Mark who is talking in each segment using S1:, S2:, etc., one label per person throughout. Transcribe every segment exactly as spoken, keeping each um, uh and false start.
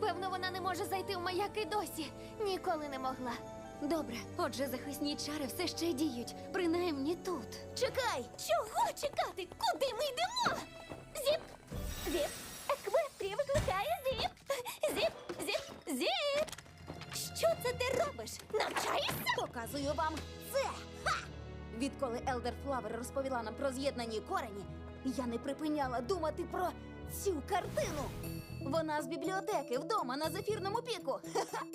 S1: Певно, вона не може зайти в маяк і досі. Ніколи не могла. Добре, отже, захисні чари все ще діють, принаймні тут.
S2: Чекай!
S1: Чого чекати? Куди ми йдемо?
S2: Зіп! Зіп! Еквестрія викликає Зіп! Зіп! Зіп! Зіп!
S1: Що це ти робиш? Навчаєшся?
S2: Показую вам це! Ха! Відколи Елдер Флавер розповіла нам про з'єднані корені, я не припиняла думати про цю картину. Вона з бібліотеки вдома на Зефірному піку. Ха-ха!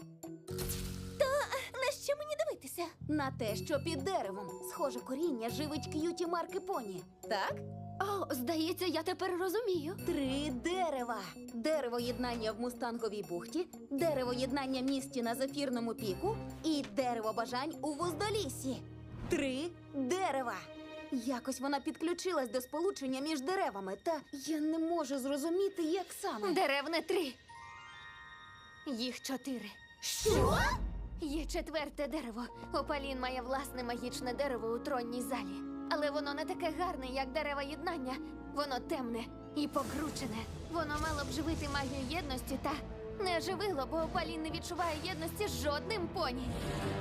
S1: На що мені дивитися?
S2: На те, що під деревом схоже коріння живить к'юті марки поні. Так?
S1: О, здається, я тепер розумію.
S2: Три дерева. Дерево єднання в Мустанговій бухті, дерево єднання в місті на Зефірному піку і дерево бажань у Вуздоліссі. Три дерева. Якось вона підключилась до сполучення між деревами, та я не можу зрозуміти, як саме.
S1: Дерев не три. Їх чотири.
S2: Що?
S1: Є четверте дерево. Опалін має власне магічне дерево у тронній залі. Але воно не таке гарне, як дерева єднання. Воно темне і покручене. Воно мало б живити магію єдності, та не живило, бо Опалін не відчуває єдності з жодним поні.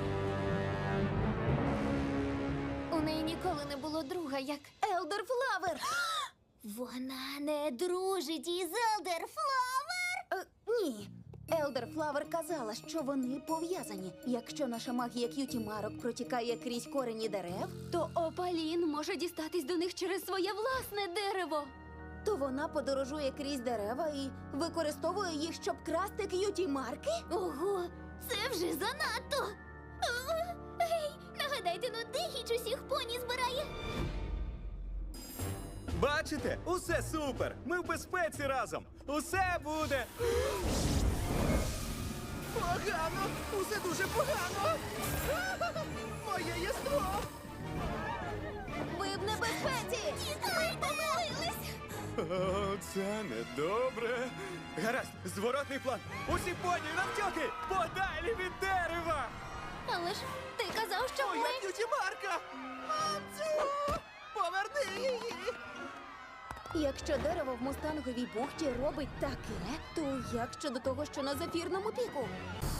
S1: У неї ніколи не було друга, як
S2: Елдер Флавер!
S1: Вона не дружить із Елдер Флавер?
S2: Е, ні. Елдер Флавер казала, що вони пов'язані. Якщо наша магія к'юті марок протікає крізь корені дерев,
S1: То Опалін може дістатись до них через своє власне дерево.
S2: то вона подорожує крізь дерева і використовує їх, щоб красти к'юті марки?
S1: Ого, це вже занадто. О, гей, нагадайте, ну де Гіч усіх поні збирає?
S3: Бачите? Усе супер! Ми в безпеці разом! Усе буде! Погано! Усе дуже погано! Моє єство!
S2: Ви в небезпеці!
S1: Ми помилились.
S3: О, це недобре! Гаразд, зворотний план! Усі поні навтьоки! Подалі від дерева!
S1: Але ж ти казав, що
S3: Моя
S1: ми...
S3: к'юті марка! Мамцю! Поверни її!
S2: Якщо дерево в Мустанговій бухті робить таке, то як щодо того, що на Зефірному піку?